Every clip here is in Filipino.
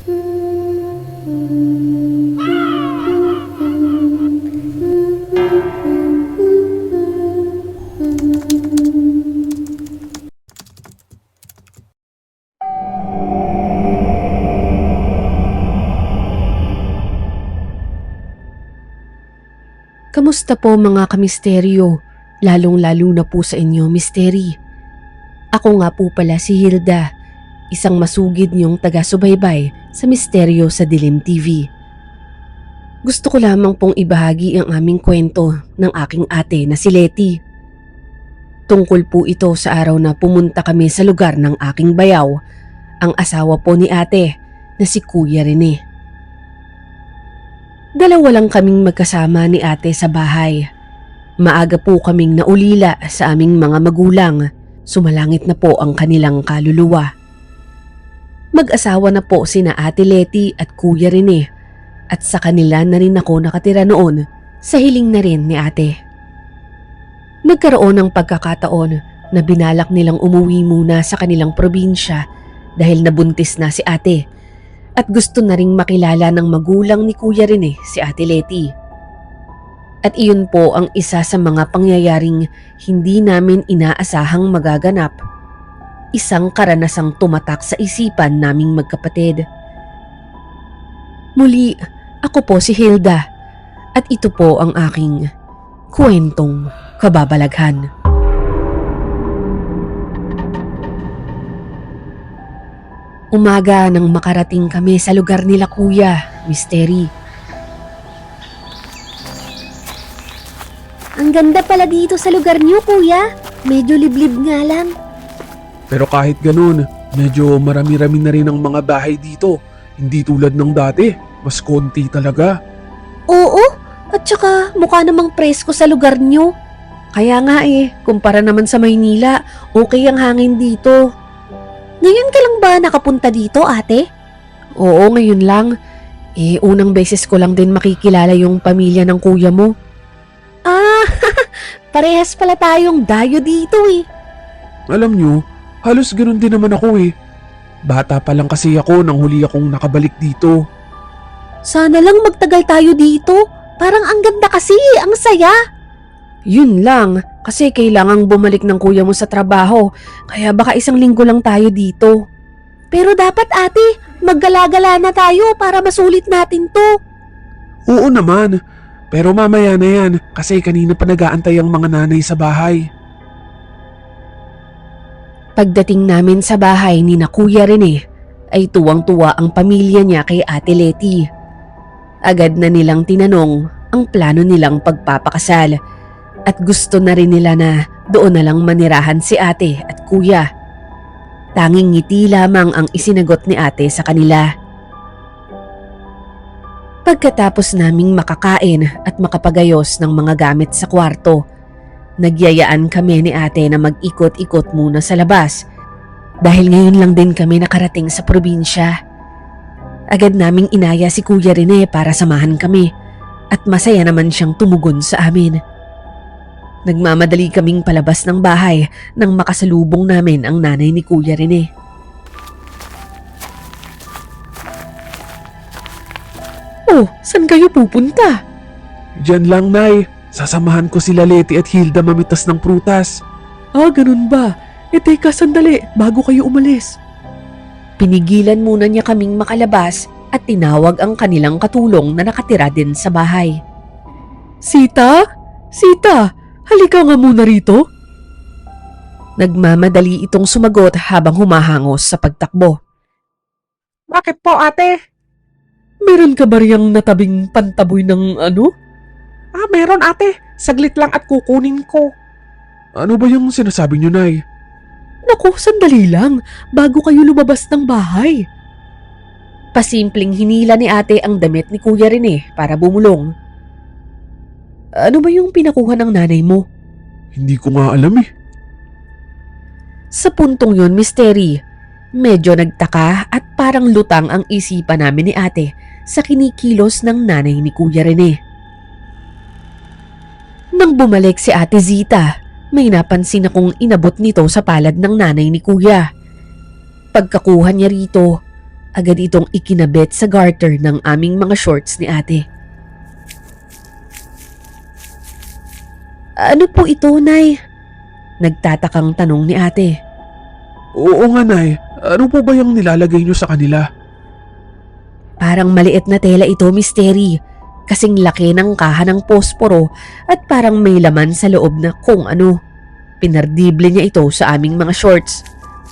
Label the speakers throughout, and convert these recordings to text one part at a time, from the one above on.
Speaker 1: Kamusta po mga kamisteryo? Lalong-lalo na po sa inyo, misteri. Ako nga po pala si Hilda, isang masugid niyong taga-subaybay sa Misteryo sa Dilim TV. Gusto ko lamang pong ibahagi ang aming kwento ng aking ate na si Letty. Tungkol po ito sa araw na pumunta kami sa lugar ng aking bayaw, ang asawa po ni ate na si Kuya Rene. Dalawa lang kaming magkasama ni ate sa bahay. Maaga po kaming naulila sa aming mga magulang. Sumalangit na po ang kanilang kaluluwa. Mag-asawa na po sina Ate Letty at Kuya Rene at sa kanila na rin ako nakatira noon sa hiling na rin ni ate. Nagkaroon ng pagkakataon na binalak nilang umuwi muna sa kanilang probinsya dahil nabuntis na si ate. At gusto na ring makilala ng magulang ni Kuya Rene si Ate Letty. At iyon po ang isa sa mga pangyayaring hindi namin inaasahang magaganap. Isang karanasang tumatak sa isipan naming magkapatid. Muli, ako po si Hilda at ito po ang aking kwentong kababalaghan. Umaga nang makarating kami sa lugar nila Kuya, Misteri.
Speaker 2: Ang ganda pala dito sa lugar niyo, Kuya. Medyo liblib nga lang.
Speaker 3: Pero kahit ganun, medyo marami-rami na rin ang mga bahay dito. Hindi tulad ng dati, mas konti talaga.
Speaker 1: Oo, at saka mukha namang presko sa lugar niyo. Kaya nga kumpara naman sa Maynila, okay ang hangin dito.
Speaker 2: Ngayon ka lang ba nakapunta dito, ate?
Speaker 1: Oo, ngayon lang. Unang beses ko lang din makikilala yung pamilya ng kuya mo.
Speaker 2: Ah, parehas pala tayong dayo dito
Speaker 3: Alam nyo, halos ganun din naman ako Bata pa lang kasi ako nang huli akong nakabalik dito.
Speaker 2: Sana lang magtagal tayo dito. Parang ang ganda kasi, ang saya.
Speaker 1: Yun lang, kasi kailangang bumalik ng kuya mo sa trabaho, kaya baka 1 linggo lang tayo dito.
Speaker 2: Pero dapat ate, maggala-gala na tayo para masulit natin to.
Speaker 3: Oo naman, pero mamaya na yan kasi kanina pa nag-aantay ang mga nanay sa bahay.
Speaker 1: Pagdating namin sa bahay ni na Kuya Rene, ay tuwang-tuwa ang pamilya niya kay Ate Letty. Agad na nilang tinanong ang plano nilang pagpapakasal. At gusto na rin nila na doon na lang manirahan si ate at kuya. Tanging ngiti lamang ang isinagot ni ate sa kanila. Pagkatapos naming makakain at makapagayos ng mga gamit sa kwarto, nagyayaan kami ni ate na mag-ikot-ikot muna sa labas dahil ngayon lang din kami nakarating sa probinsya. Agad naming inaya si Kuya Rene para samahan kami at masaya naman siyang tumugon sa amin. Nagmamadali kaming palabas ng bahay nang makasalubong namin ang nanay ni Kuya Rene. Oh, saan kayo pupunta?
Speaker 3: Diyan lang, Nay. Sasamahan ko sila Letty at Hilda mamitas ng prutas.
Speaker 1: Ah, ganun ba? Teka sandali, bago kayo umalis. Pinigilan muna niya kaming makalabas at tinawag ang kanilang katulong na nakatira din sa bahay. Sita? Sita! Halika nga muna rito. Nagmamadali itong sumagot habang humahangos sa pagtakbo.
Speaker 4: Bakit po, ate?
Speaker 1: Meron ka ba riyang natabing pantaboy ng ano?
Speaker 4: Meron, ate. Saglit lang at kukunin ko.
Speaker 3: Ano ba yung sinasabi niyo, Nay?
Speaker 1: Naku, sandali lang, bago kayo lumabas ng bahay. Pasimpleng hinila ni ate ang damit ni Kuya Rene para bumulong. Ano ba yung pinakuha ng nanay mo?
Speaker 3: Hindi ko nga alam
Speaker 1: Sa puntong yun, Misteri, medyo nagtaka at parang lutang ang isipan namin ni ate sa kinikilos ng nanay ni Kuya Rene. Nang bumalik si Ate Zita, may napansin akong inabot nito sa palad ng nanay ni Kuya. Pagkakuha niya rito, Agad itong ikinabit sa garter ng aming mga shorts ni ate. Ano po ito, Nay? Nagtatakang tanong ni ate.
Speaker 3: Oo nga, Nay. Ano po ba yung nilalagay nyo sa kanila?
Speaker 1: Parang maliit na tela ito, Misteri. Kasing laki ng kaha ng posporo at parang may laman sa loob na kung ano. Pinardible niya ito sa aming mga shorts.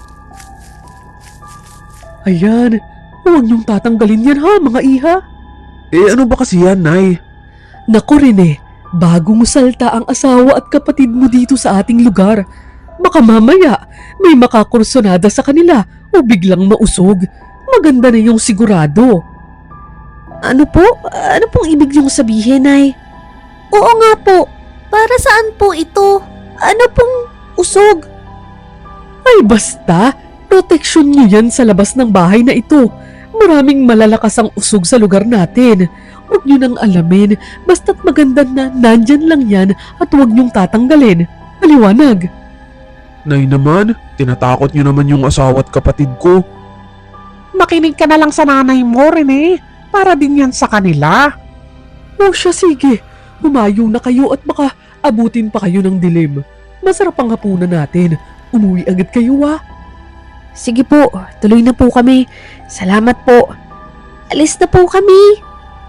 Speaker 3: Ayan, huwag niyong tatanggalin yan ha, mga iha. Eh ano ba kasi yan, Nay?
Speaker 4: Naku Rene, bago mo salta ang asawa at kapatid mo dito sa ating lugar. Baka mamaya may makakursonada sa kanila o biglang mausog. Maganda na yung sigurado.
Speaker 1: Ano po? Ano pong ibig niyong sabihin, Nay?
Speaker 2: Oo nga po. Para saan po ito? Ano pong usog?
Speaker 4: Ay basta, proteksyon niyo yan sa labas ng bahay na ito. Maraming malalakas ang usog sa lugar natin. Huwag niyo nang alamin, basta't maganda na nandyan lang yan at huwag niyong tatanggalin. Maliwanag.
Speaker 3: Nay naman, tinatakot niyo naman yung asawa at kapatid ko.
Speaker 4: Makinig ka na lang sa nanay mo, Rene. Para din yan sa kanila. O siya, sige. Humayo na kayo at baka abutin pa kayo ng dilim. Masarap ang hapunan natin. Umuwi agad kayo ah.
Speaker 1: Sige po, tuloy na po kami. Salamat po. Alis na po kami.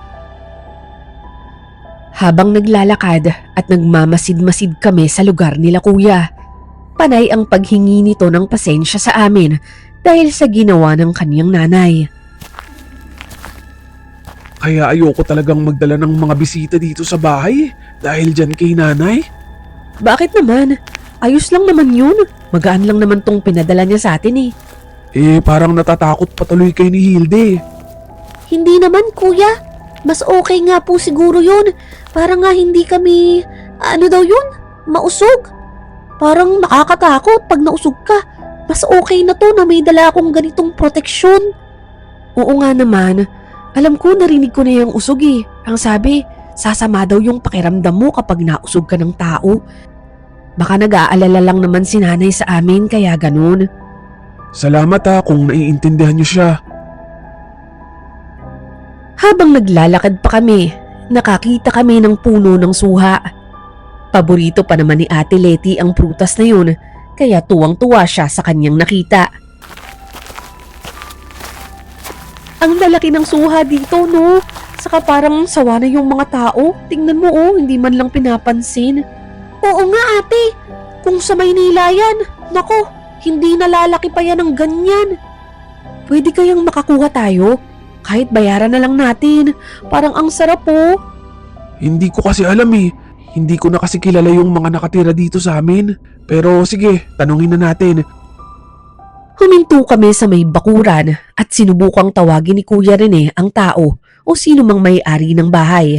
Speaker 1: Habang naglalakad at nagmamasid-masid kami sa lugar nila kuya, panay ang paghingi nito ng pasensya sa amin dahil sa ginawa ng kaniyang nanay.
Speaker 3: Kaya ayoko talagang magdala ng mga bisita dito sa bahay dahil dyan kay nanay.
Speaker 1: Bakit naman? Ayos lang naman yun. Magaan lang naman tong pinadala niya sa atin eh.
Speaker 3: Eh parang natatakot patuloy kay ni Hilde.
Speaker 2: Hindi naman kuya. Mas okay nga po siguro yun. Para nga hindi kami, ano daw yun? Mausog. Parang nakakatakot pag nausog ka. Mas okay na to na may dala akong ganitong proteksyon.
Speaker 1: Oo nga naman. Alam ko, narinig ko na yung usog eh. Ang sabi, sasama daw yung pakiramdam mo kapag nausog ka ng tao. Baka nag-aalala lang naman si nanay sa amin kaya ganun.
Speaker 3: Salamat ha kung naiintindihan niyo siya.
Speaker 1: Habang naglalakad pa kami, nakakita kami ng puno ng suha. Paborito pa naman ni Ate Leti ang prutas na yun, kaya tuwang-tuwa siya sa kanyang nakita. Ang lalaki ng suha dito, no? Saka parang sawa na yung mga tao. Tingnan mo oh, hindi man lang pinapansin.
Speaker 2: Oo nga ate. Kung sa Maynila yan, nako, hindi nalalaki pa yan ng ganyan.
Speaker 1: Pwede kayang makakuha tayo? Kahit bayaran na lang natin. Parang ang sarap oh.
Speaker 3: Hindi ko kasi alam eh. Hindi ko na kasi kilala yung mga nakatira dito sa amin. Pero sige, tanungin na natin.
Speaker 1: Huminto kami sa may bakuran at sinubukang tawagin ni Kuya Rene ang tao o sino mang may-ari ng bahay.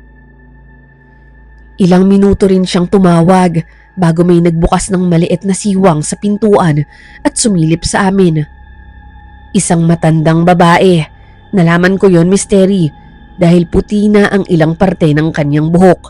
Speaker 1: Ilang minuto rin siyang tumawag bago may nagbukas ng maliit na siwang sa pintuan at sumilip sa amin. Isang matandang babae. Nalaman ko yon, Misteri, dahil puti na ang ilang parte ng kanyang buhok.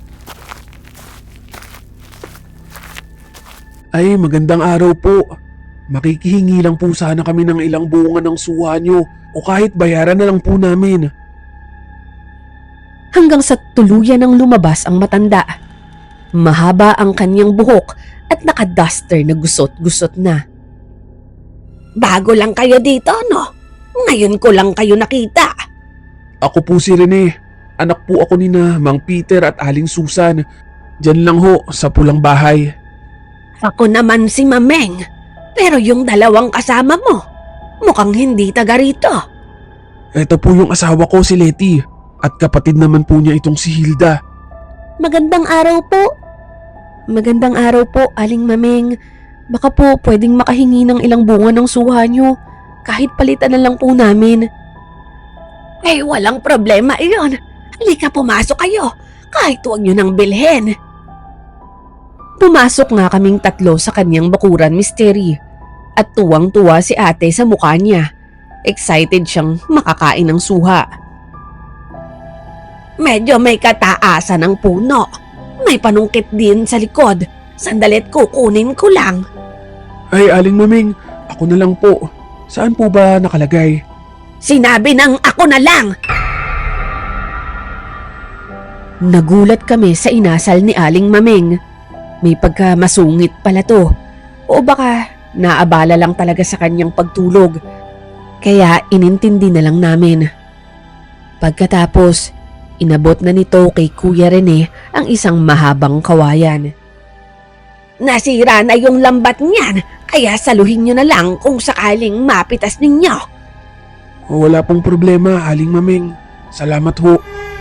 Speaker 3: Ay, magandang araw po. Makikihingi lang po sana kami ng ilang bunga ng suha nyo o kahit bayaran na lang po namin.
Speaker 1: Hanggang sa tuluyan ng lumabas ang matanda. Mahaba ang kanyang buhok at nakaduster na gusot-gusot na.
Speaker 2: Bago lang kayo dito, no? Ngayon ko lang kayo nakita.
Speaker 3: Ako po si Rene. Anak po ako ni na Mang Peter at Aling Susan. Diyan lang ho sa pulang bahay.
Speaker 2: Ako naman si Mameng. Pero yung dalawang kasama mo, mukhang hindi taga rito.
Speaker 3: Ito po yung asawa ko si Leti at kapatid naman po niya itong si Hilda.
Speaker 2: Magandang araw po.
Speaker 1: Magandang araw po, Aling Mameng. Baka po pwedeng makahingi ng ilang bunga ng suha nyo. Kahit palitan na lang po namin.
Speaker 2: Eh, walang problema iyon. Halika, pumasok kayo. Kahit huwag nyo nang bilhin.
Speaker 1: Pumasok nga kaming tatlo sa kanyang bakuran, Misteri. At tuwang-tuwa si ate sa mukha niya. Excited siyang makakain ng suha.
Speaker 2: Medyo may kataasan ng puno. May panungkit din sa likod. Sandalit kukunin ko lang.
Speaker 3: Ay, Aling Maming, ako na lang po. Saan po ba nakalagay?
Speaker 2: Sinabi ng ako na lang!
Speaker 1: Nagulat kami sa inasal ni Aling Mameng. May pagkamasungit pala to. O baka naabala lang talaga sa kanyang pagtulog. Kaya inintindi na lang namin. Pagkatapos, inabot na nito kay Kuya Rene ang isang mahabang kawayan.
Speaker 2: Nasira na yung lambat niyan, kaya saluhin nyo na lang kung sakaling mapitas ninyo.
Speaker 3: Wala pong problema, Aling Mameng. Salamat ho.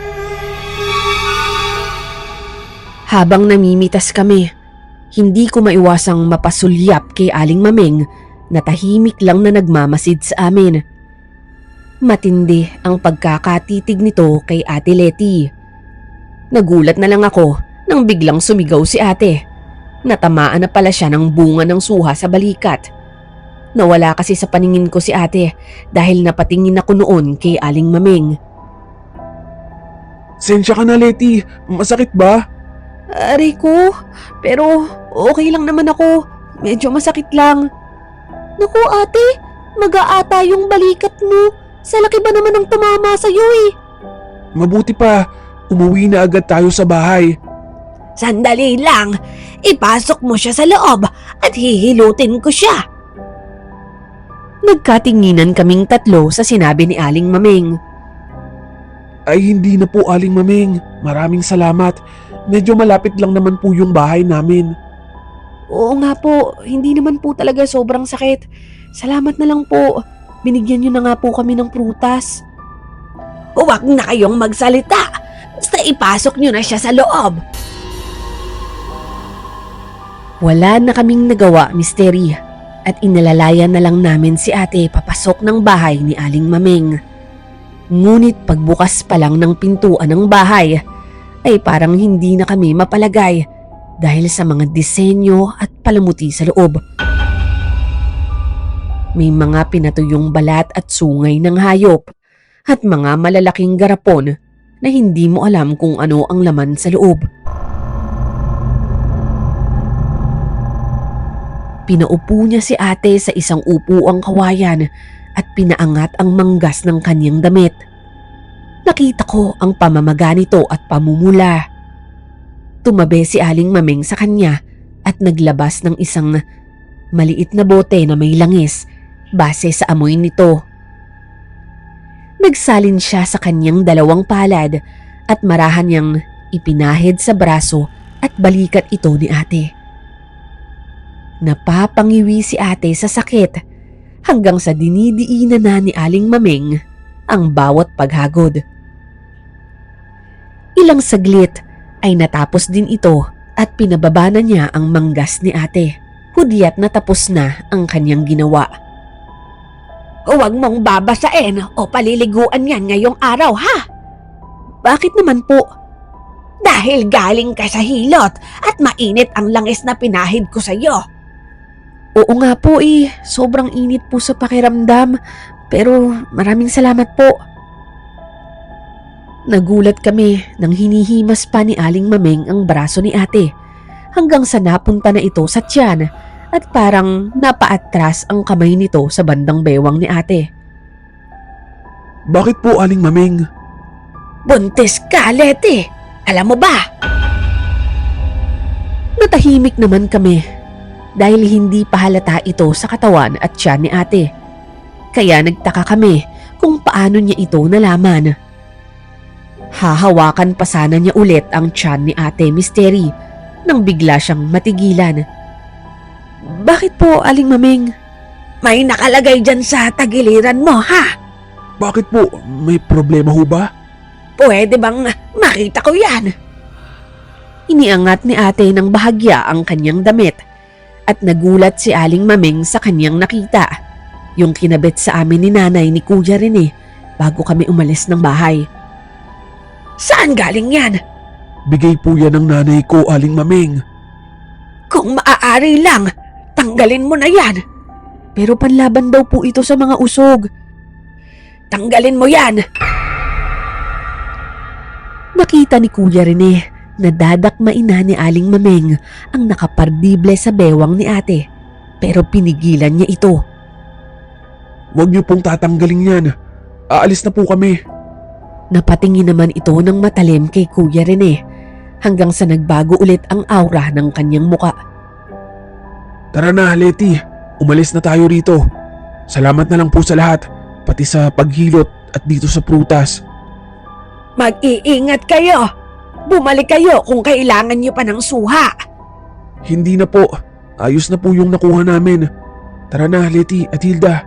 Speaker 1: Habang namimitas kami, hindi ko maiwasang mapasulyap kay Aling Mameng na tahimik lang na nagmamasid sa amin. Matindi ang pagkakatitig nito kay Ate Leti. Nagulat na lang ako nang biglang sumigaw si ate. Natamaan na pala siya ng bunga ng suha sa balikat. Nawala kasi sa paningin ko si ate dahil napatingin ako noon kay Aling Mameng.
Speaker 3: Sensya ka na, Leti. Masakit ba?
Speaker 1: Aray ko, pero okay lang naman ako. Medyo masakit lang.
Speaker 2: Naku ate, mag-aata yung balikat mo. Sa laki ba naman ang tumama sa'yo eh?
Speaker 3: Mabuti pa. Umuwi na agad tayo sa bahay.
Speaker 2: Sandali lang, ipasok mo siya sa loob at hihilutin ko siya.
Speaker 1: Nagkatinginan kaming tatlo sa sinabi ni Aling Mameng.
Speaker 3: Ay hindi na po, Aling Mameng. Maraming salamat. Medyo malapit lang naman po yung bahay namin.
Speaker 1: Oo nga po, hindi naman po talaga sobrang sakit. Salamat na lang po. Binigyan niyo na nga po kami ng prutas.
Speaker 2: Huwag na kayong magsalita. Basta ipasok nyo na siya sa loob.
Speaker 1: Wala na kaming nagawa, Misteri. At inalalayan na lang namin si ate papasok ng bahay ni Aling Mameng. Ngunit pagbukas pa lang ng pintuan ng bahay, ay parang hindi na kami mapalagay dahil sa mga disenyo at palamuti sa loob. May mga pinatuyong balat at sungay ng hayop at mga malalaking garapon na hindi mo alam kung ano ang laman sa loob. Pinaupo niya si ate sa isang upuang kawayan at pinaangat ang manggas ng kanyang damit. Nakita ko ang pamamaga nito at pamumula. Tumabi si Aling Mameng sa kanya at naglabas ng isang maliit na bote na may langis base sa amoy nito. Nagsalin siya sa kanyang dalawang palad at marahan niyang ipinahid sa braso at balikat ito ni ate. Napapangiwi si ate sa sakit hanggang sa dinidiinan na ni Aling Mameng ang bawat paghagod. Ilang saglit ay natapos din ito at pinababa na niya ang manggas ni ate. Hudyat na tapos na ang kanyang ginawa.
Speaker 2: Huwag mong babasain o paliliguan yan ngayong araw ha?
Speaker 1: Bakit naman po?
Speaker 2: Dahil galing ka sa hilot at mainit ang langis na pinahid ko sa iyo.
Speaker 1: Oo nga po sobrang init po sa pakiramdam pero maraming salamat po. Nagulat kami nang hinihimas pa ni Aling Mameng ang braso ni ate hanggang sa napunta na ito sa tiyan at parang napaatras ang kamay nito sa bandang bewang ni ate.
Speaker 3: Bakit po, Aling Mameng?
Speaker 2: Buntis ka, Leti. Alam mo ba?
Speaker 1: Natahimik naman kami dahil hindi pa halata ito sa katawan at tiyan ni ate. Kaya nagtaka kami kung paano niya ito nalaman. Hahawakan pa sana niya ulit ang tiyan ni ate Misteri nang bigla siyang matigilan. Bakit po, Aling Mameng?
Speaker 2: May nakalagay dyan sa tagiliran mo, ha?
Speaker 3: Bakit po? May problema ho ba?
Speaker 2: Pwede bang makita ko yan?
Speaker 1: Iniangat ni ate ng bahagya ang kanyang damit at nagulat si Aling Mameng sa kanyang nakita. Yung kinabit sa amin ni nanay ni Kuya Rene bago kami umalis ng bahay.
Speaker 2: Saan galing yan?
Speaker 3: Bigay po yan ng nanay ko, Aling Mameng.
Speaker 2: Kung maaari lang, tanggalin mo na yan.
Speaker 1: Pero panlaban daw po ito sa mga usog.
Speaker 2: Tanggalin mo yan.
Speaker 1: Nakita ni Kuya Rene na dadakmain na ni Aling Mameng ang nakapardible sa bewang ni ate. Pero pinigilan niya ito.
Speaker 3: Huwag niyo pong tatanggalin yan. aalis na po kami.
Speaker 1: Napatingin naman ito ng matalim kay Kuya Rene hanggang sa nagbago ulit ang aura ng kanyang muka.
Speaker 3: Tara na, Leti. Umalis na tayo rito. Salamat na lang po sa lahat, pati sa paghilot at dito sa prutas.
Speaker 1: Mag-iingat kayo! Bumalik kayo kung kailangan niyo pa ng suha!
Speaker 3: Hindi na po. Ayos na po yung nakuha namin. Tara na, Leti at Hilda.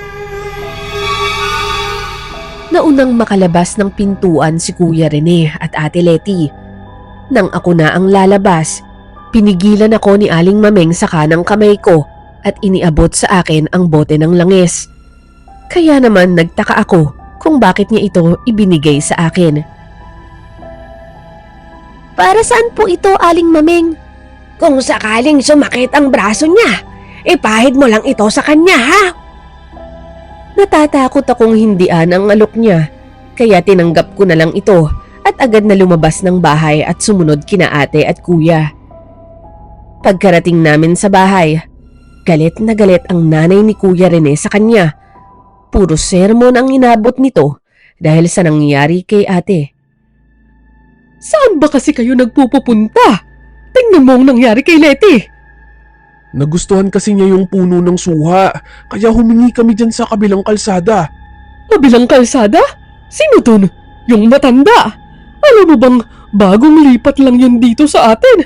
Speaker 1: Naunang makalabas ng pintuan si Kuya Rene at Ate Leti. Nang ako na ang lalabas, pinigilan ako ni Aling Mameng sa kanang kamay ko at iniabot sa akin ang bote ng langis. Kaya naman nagtaka ako kung bakit niya ito ibinigay sa akin.
Speaker 2: Para saan po ito, Aling Mameng?
Speaker 1: Kung sakaling sumakit ang braso niya, ipahid mo lang ito sa kanya, ha? Natatakot akong hindian ang alok niya, kaya tinanggap ko na lang ito at agad na lumabas ng bahay at sumunod kina ate at kuya. Pagkarating namin sa bahay, galit na galit ang nanay ni Kuya Rene sa kanya. Puro sermon ang inabot nito dahil sa nangyari kay ate.
Speaker 4: Saan ba kasi kayo nagpupunta? Tingnan mo ang nangyari kay Leti.
Speaker 3: Nagustuhan kasi niya yung puno ng suha, kaya humingi kami dyan sa kabilang kalsada.
Speaker 4: Kabilang kalsada? Sino dun? Yung matanda. Alam mo bang bagong lipat lang yun dito sa atin?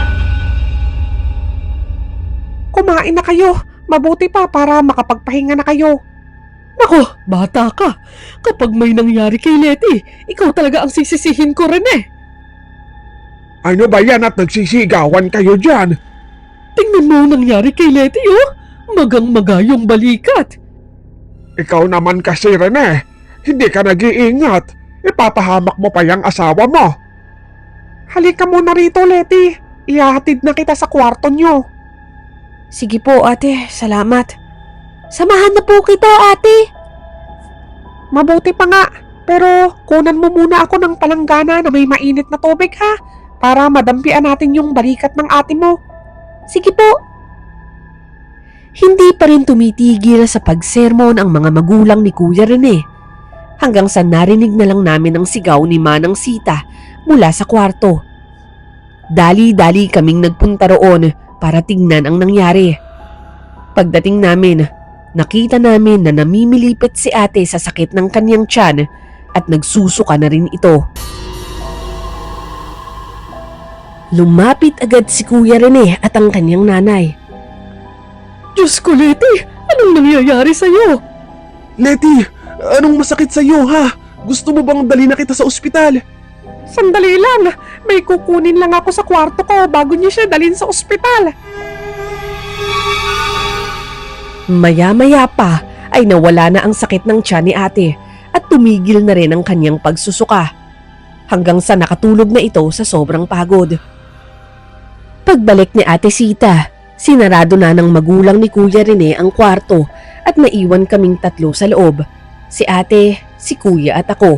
Speaker 5: Kumain na kayo. Mabuti pa para makapagpahinga na kayo.
Speaker 4: Nako, bata ka. Kapag may nangyari kay Leti, ikaw talaga ang sisisihin ko rin eh.
Speaker 3: Ano ba yan at nagsisigawan kayo dyan?
Speaker 4: Tingnan mo ang nangyari kay Leti, oh. Magang-maga yung balikat.
Speaker 3: Ikaw naman kasi, Rene. Hindi ka nag-iingat. Ipapahamak mo pa yung asawa mo.
Speaker 5: Halika muna rito, Leti. Ihahatid na kita sa kwarto nyo.
Speaker 1: Sige po ate, salamat.
Speaker 2: Samahan na po kita, ate.
Speaker 5: Mabuti pa nga. Pero kunan mo muna ako ng palanggana na may mainit na tubig ha. Para madampian natin yung balikat ng ate mo.
Speaker 2: Sige po.
Speaker 1: Hindi pa rin tumitigil sa pagsermon ang mga magulang ni Kuya Rene. Hanggang sa narinig na lang namin ang sigaw ni Manang Sita mula sa kwarto. Dali-dali kaming nagpunta roon para tingnan ang nangyari. Pagdating namin, nakita namin na namimilipit si ate sa sakit ng kanyang tiyan at nagsusuka na rin ito. Lumapit agad si Kuya Rene at ang kanyang nanay.
Speaker 4: Diyos ko, Leti! Anong nangyayari sa'yo?
Speaker 3: Leti, anong masakit sa'yo ha? Gusto mo bang dali na kita sa ospital?
Speaker 5: Sandali lang. May kukunin lang ako sa kwarto ko bago niyo siya dalhin sa ospital.
Speaker 1: Maya-maya pa ay nawala na ang sakit ng tiyan ni ate at tumigil na rin ang kanyang pagsusuka. Hanggang sa nakatulog na ito sa sobrang pagod. Pagbalik ni Ate Sita, sinarado na ng magulang ni Kuya Rene ang kwarto at naiwan kaming tatlo sa loob. Si ate, si kuya at ako.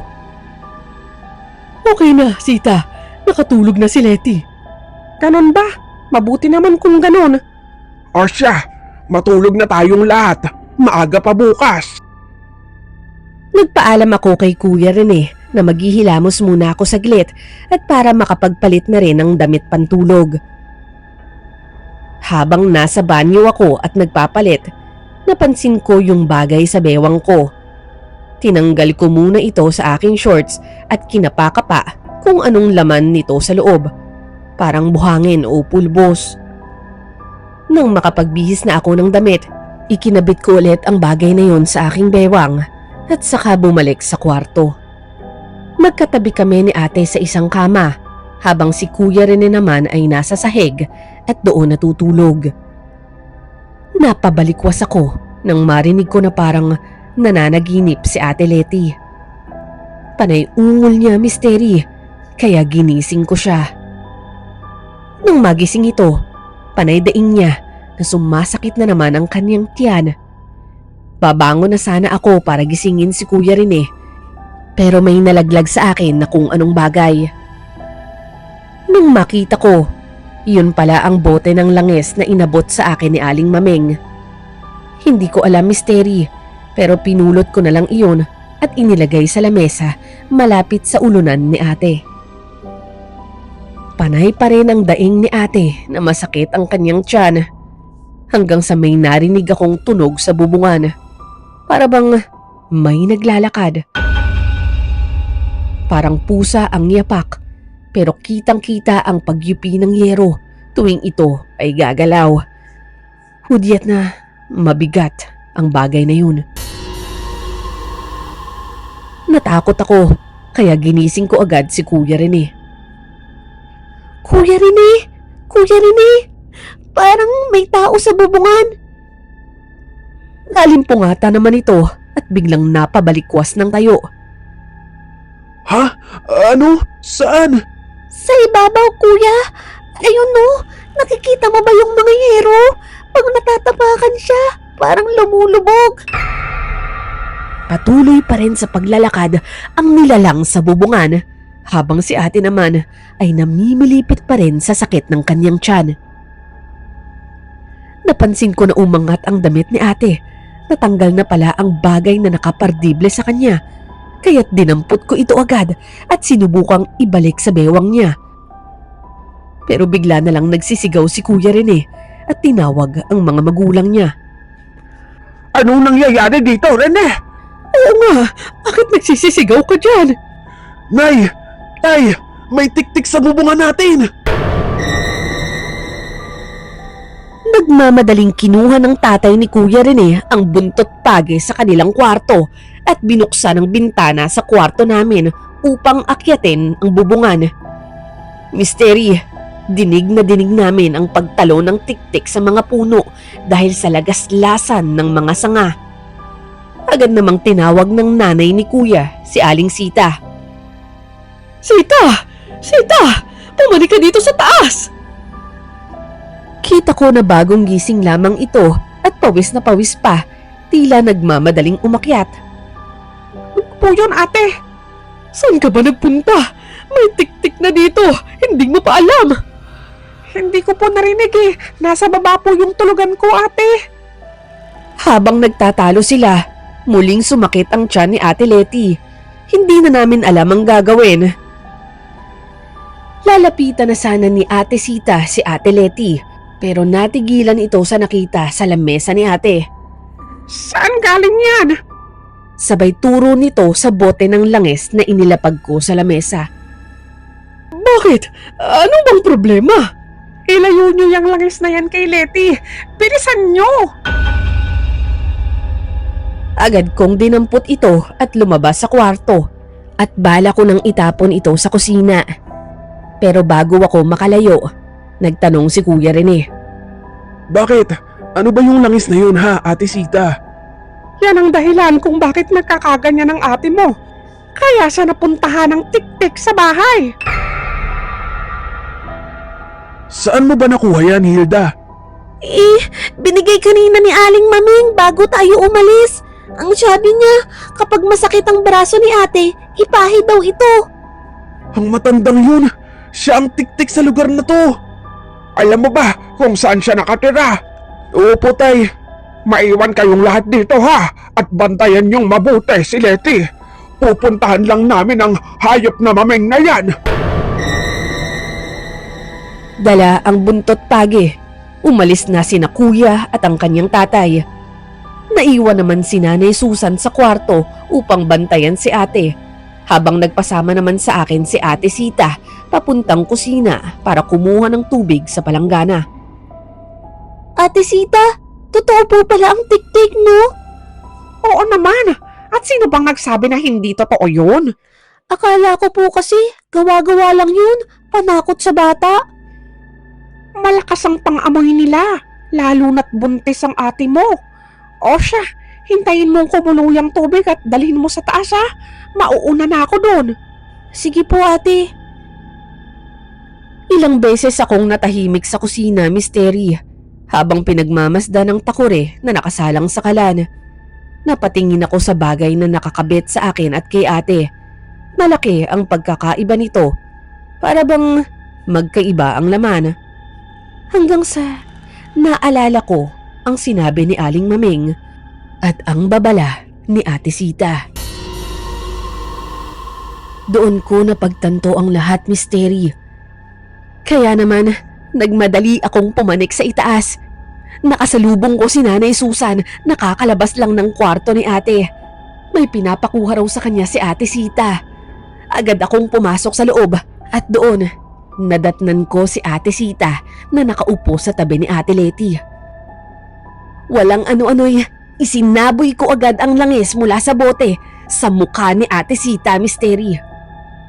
Speaker 4: Okay na, Sita. Nakatulog na si Leti.
Speaker 5: Ganon ba? Mabuti naman kung ganon.
Speaker 3: O siya, matulog na tayong lahat. Maaga pa bukas.
Speaker 1: Nagpaalam ako kay Kuya Rene na maghihilamos muna ako saglit at para makapagpalit na rin ng damit pantulog. Habang nasa banyo ako at nagpapalit, napansin ko yung bagay sa bewang ko. Tinanggal ko muna ito sa aking shorts at kinapakapa kung anong laman nito sa loob. Parang buhangin o pulbos. Nang makapagbihis na ako ng damit, ikinabit ko ulit ang bagay na yon sa aking bewang at saka bumalik sa kwarto. Magkatabi kami ni ate sa isang kama habang si Kuya Rene naman ay nasa sahig at doon natutulog. Napabalikwas ako nang marinig ko na parang nananaginip si Ate Leti. Panay ungol niya, misteri, kaya ginising ko siya. Nang magising ito, panay daing niya na sumasakit na naman ang kanyang tiyan. Babangon na sana ako para gisingin si Kuya Rene, pero may nalaglag sa akin na kung anong bagay. Nung makita ko, iyon pala ang bote ng langis na inabot sa akin ni Aling Mameng. Hindi ko alam, misteri, pero pinulot ko na lang iyon at inilagay sa lamesa malapit sa ulunan ni ate. Panay pa rin ang daing ni ate na masakit ang kanyang tiyan hanggang sa may narinig akong tunog sa bubungan. Para bang may naglalakad. Parang pusa ang yapak pero kitang-kita ang pagyupi ng yero tuwing ito ay gagalaw. Hudyat na mabigat ang bagay na yun. Natakot ako kaya ginising ko agad si Kuya Rene.
Speaker 2: Kuya Rene! Kuya Rene! Parang may tao sa bubungan.
Speaker 1: Nalimpungata naman ito at biglang napabalikwas ng tayo.
Speaker 3: Ha? Ano? Saan?
Speaker 2: Sa ibabaw, kuya. Ayun no, nakikita mo ba yung mga yero? Pag natatapakan siya, parang lumulubog.
Speaker 1: Patuloy pa rin sa paglalakad ang nilalang sa bubungan habang si ate naman ay namimilipit pa rin sa sakit ng kanyang tiyan. Napansin ko na umangat ang damit ni ate. Natanggal na pala ang bagay na nakapardible sa kanya. Kaya't dinampot ko ito agad at sinubukang ibalik sa bewang niya. Pero bigla na lang nagsisigaw si Kuya Rene at tinawag ang mga magulang niya.
Speaker 3: Anong nangyayari dito, Rene?
Speaker 4: Oo nga, bakit nagsisisigaw ka dyan?
Speaker 3: Nay! Tay! May tiktik sa bubungan natin!
Speaker 1: Nagmamadaling kinuha ng tatay ni Kuya Rene ang buntot page sa kanilang kwarto at binuksan ang bintana sa kwarto namin upang akyatin ang bubungan. Misteri, dinig na dinig namin ang pagtalo ng tiktik sa mga puno dahil sa lagaslasan ng mga sanga. Agad namang tinawag ng nanay ni Kuya, si Aling Sita.
Speaker 4: Sita! Sita! Bumalik ka dito sa taas!
Speaker 1: Kita ko na bagong gising lamang ito at pawis na pawis pa, tila nagmamadaling umakyat.
Speaker 5: Po yun, ate.
Speaker 4: Saan ka ba nagpunta? May tiktik na dito, hindi mo pa alam.
Speaker 5: Hindi ko po narinig eh. Nasa baba po yung tulugan ko, ate.
Speaker 1: Habang nagtatalo sila, muling sumakit ang tiyan ni Ate Letty. Hindi na namin alam ang gagawin. Lalapitan na sana ni Ate Sita si Ate Letty, pero natigilan ito sa nakita sa lamesa ni ate.
Speaker 5: Saan galing yan?
Speaker 1: Sabay turo nito sa bote ng langis na inilapag ko sa lamesa.
Speaker 4: Bakit? Ano bang problema?
Speaker 5: Ilayo nyo yung langis na yan kay Letty. Bilisan nyo!
Speaker 1: Agad kong dinampot ito at lumabas sa kwarto at bala ko nang itapon ito sa kusina. Pero bago ako makalayo, nagtanong si Kuya Rene.
Speaker 3: Bakit? Ano ba yung langis na yun ha, Ate Sita?
Speaker 5: Yan ang dahilan kung bakit nagkakaganyan ang ate mo. Kaya siya napuntahan ng tiktik sa bahay.
Speaker 3: Saan mo ba nakuha yan, Hilda?
Speaker 2: Binigay kanina ni Aling Maming bago tayo umalis. Ang sabi niya, kapag masakit ang braso ni ate, ipahid daw ito.
Speaker 3: Ang matandang yun, siya ang tiktik sa lugar na to. Alam mo ba kung saan siya nakatira? Opo, tay. Maiwan kayong lahat dito ha at bantayan niyong mabuti si Letty. Pupuntahan lang namin ang hayop na mameng na yan.
Speaker 1: Dala ang buntot page. Umalis na sina Kuya at ang kanyang tatay. Naiwan naman si Nanay Susan sa kwarto upang bantayan si ate, habang nagpasama naman sa akin si Ate Sita papuntang kusina para kumuha ng tubig sa palanggana.
Speaker 2: Ate Sita, totoo po pala ang tiktik, no?
Speaker 5: Oo naman. At sino bang nagsabi na hindi totoo yun?
Speaker 2: Akala ko po kasi, gawa-gawa lang yun, panakot sa bata.
Speaker 5: Malakas ang pang-amoy nila, lalo na't buntis ang ate mo. O siya, hintayin mong kumulo yung tubig at dalhin mo sa taas ha. Mauuna na ako doon.
Speaker 2: Sige po, ate.
Speaker 1: Ilang beses akong natahimik sa kusina, Misteri, habang pinagmamasdan ng takore na nakasalang sa kalan. Napatingin ako sa bagay na nakakabit sa akin at kay ate. Malaki ang pagkakaiba nito, para bang magkaiba ang laman. Hanggang sa naalala ko ang sinabi ni Aling Maming at ang babala ni Ate Sita. Doon ko napagtanto ang lahat, Misteri. Kaya naman, nagmadali akong pumanik sa itaas. Nakasalubong ko si Nanay Susan, nakakalabas lang ng kwarto ni ate. May pinapakuha raw sa kanya si Ate Sita. Agad akong pumasok sa loob at doon, nadatnan ko si Ate Sita na nakaupo sa tabi ni Ate Leti. Walang ano-ano'y, isinaboy ko agad ang langis mula sa bote sa mukha ni Ate Sita, Misteri.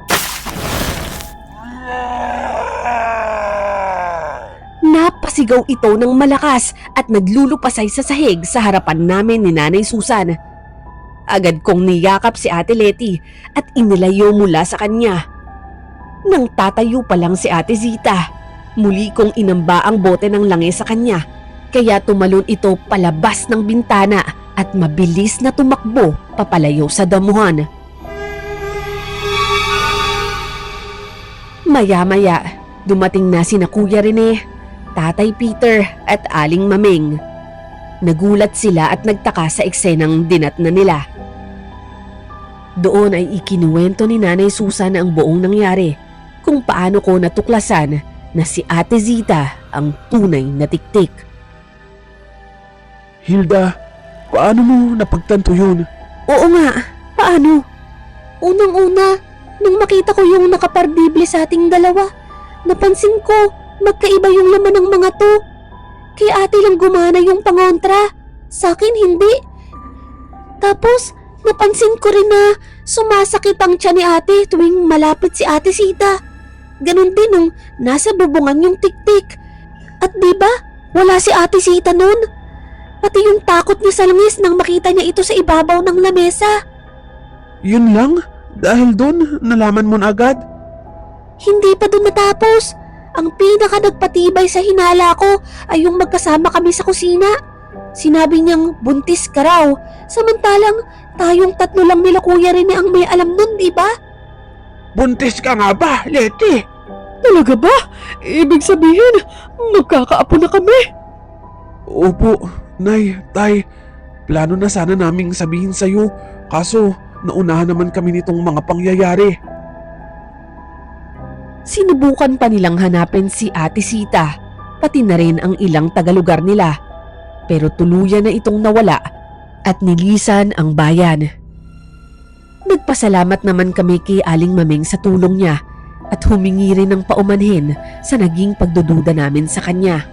Speaker 1: Napasigaw ito ng malakas at naglulupasay sa sahig sa harapan namin ni Nanay Susan. Agad kong niyakap si Ate Leti at inilayo mula sa kanya. Nang tatayo pa lang si Ate Zita, muli kong inamba ang bote ng langis sa kanya, kaya tumalon ito palabas ng bintana at mabilis na tumakbo papalayo sa damuhan. Maya-maya, dumating na sina Kuya Rene, Tatay Peter at Aling Maming. Nagulat sila at nagtaka sa eksenang dinatnan nila. Doon ay ikinuwento ni Nanay Susan ang buong nangyari, kung paano ko natuklasan na si Ate Zita ang tunay na tiktik.
Speaker 3: Hilda, paano mo napagtanto yun?
Speaker 2: Oo nga, paano? Unang-una, nung makita ko yung nakapardible sa ating dalawa, napansin ko magkaiba yung laman ng mga to. Kay ate lang gumana yung pangontra, sa akin hindi. Tapos, napansin ko rin na sumasakit ang tiyan ni ate tuwing malapit si Ate Sita. Ganon din nung nasa bubungan yung tiktik. At diba, wala si Ate Sita nun. Pati yung takot niya sa langis nang makita niya ito sa ibabaw ng lamesa.
Speaker 3: Yun lang? Dahil doon, nalaman mo na agad?
Speaker 2: Hindi pa dun natapos. Ang pinaka nagpatibay sa hinala ko ay yung magkasama kami sa kusina. Sinabi niyang buntis ka raw, samantalang tayong tatlo lang nila Kuya Rene ang may alam nun, di ba?
Speaker 3: Buntis ka nga ba, Leti?
Speaker 4: Talaga ba? Ibig sabihin, magkakaapo na kami.
Speaker 3: Opo, Nay, Tay. Plano na sana naming sabihin sa'yo, kaso naunahan naman kami nitong mga pangyayari.
Speaker 1: Sinubukan pa nilang hanapin si Ate Sita, pati na rin ang ilang tagalugar nila. Pero tuluyan na itong nawala at nilisan ang bayan. Nagpasalamat naman kami kay Aling Maming sa tulong niya at humingi rin ng paumanhin sa naging pagdududa namin sa kanya.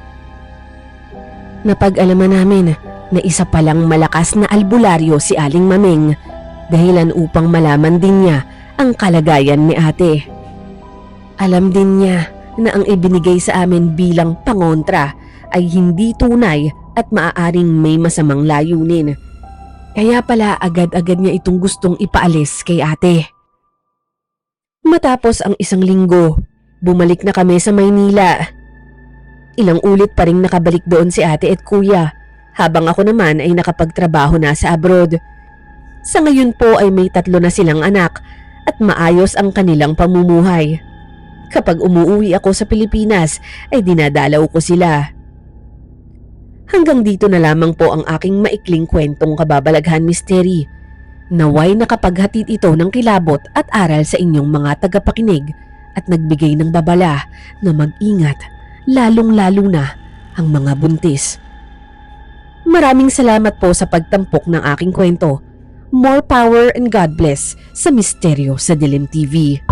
Speaker 1: Napag-alaman namin na isa palang malakas na albularyo si Aling Maming, dahilan upang malaman din niya ang kalagayan ni ate. Alam din niya na ang ibinigay sa amin bilang pangontra ay hindi tunay at maaaring may masamang layunin. Kaya pala agad-agad niya itong gustong ipaalis kay ate. Matapos ang isang linggo, bumalik na kami sa Maynila. Ilang ulit pa ring nakabalik doon si ate at kuya, habang ako naman ay nakapagtrabaho na sa abroad. Sa ngayon po ay may 3 na silang anak at maayos ang kanilang pamumuhay. Kapag umuwi ako sa Pilipinas ay dinadalaw ko sila. Hanggang dito na lamang po ang aking maikling kwentong kababalaghan misteri. Naway nakapaghatid ito ng kilabot at aral sa inyong mga tagapakinig at nagbigay ng babala na mag-ingat, lalong-lalo na ang mga buntis. Maraming salamat po sa pagtampok ng aking kwento. More power and God bless sa Misteryo sa Dilim TV.